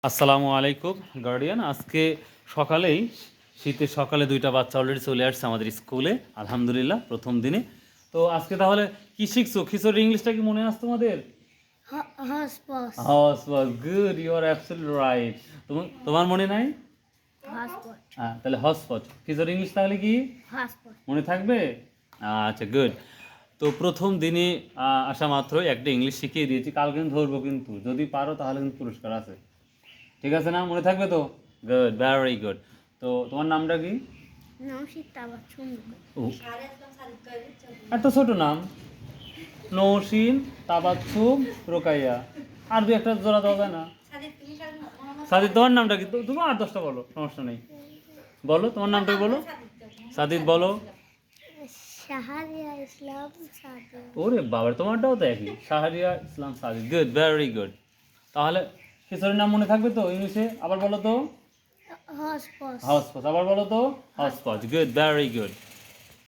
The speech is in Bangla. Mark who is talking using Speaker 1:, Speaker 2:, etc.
Speaker 1: আসসালামু আলাইকুম গার্ডিয়ান। আজকে সকালেই শীতের সকালে দুইটা বাচ্চা অলরেডি চলে আসছে আমাদের স্কুলে, আলহামদুলিল্লাহ প্রথম দিনে। তো আজকে তাহলে কি শিখছো? খিচুড়ি ইংলিশটা কি মনে আছে তোমাদের?
Speaker 2: Hotspot.
Speaker 1: হস was good, you are absolutely right. তোমার মনে নাই?
Speaker 2: Hotspot.
Speaker 1: হ্যাঁ, তাহলে হটস্পট খিচুড়ি ইংলিশ তাহলে কি
Speaker 2: Hotspot.
Speaker 1: মনে থাকবে? আচ্ছা, গুড। তো প্রথম দিনে আসা মাত্রই একটা ইংলিশ শিখিয়ে দিয়েছি, কাল কিন্তু ধরবো, কিন্তু যদি পারো তাহলে কিন্তু পুরস্কার আছে। ঠিক আছে না? মনে থাকবে তো? Good, very good. তো তোমার নামটা কি?
Speaker 2: Naushita Bachungu.
Speaker 1: ও, এত ছোট নাম, নৌসিন তাবাচ্ছুম রোকাইয়া। আর দু একটা জোড়া দেওয়া যায় না? সাদিদ, তোমার নামটা কি? তুমি আর 10টা বলো, সমস্যা নেই। বলো তোমার নামটা বলো। সাদিদ বলো।
Speaker 2: Shaharia Islam Sadi.
Speaker 1: ওরে বাবা, তোমারটাও তো একই, Shahriar Islam Sadid. Good, very good. তাহলে খিচুড়ির নাম মনে থাকবে তো ইংলিশে? আবার বলো তো।
Speaker 2: Hotspot.
Speaker 1: হাউস আবার বলো তো। House good, very good.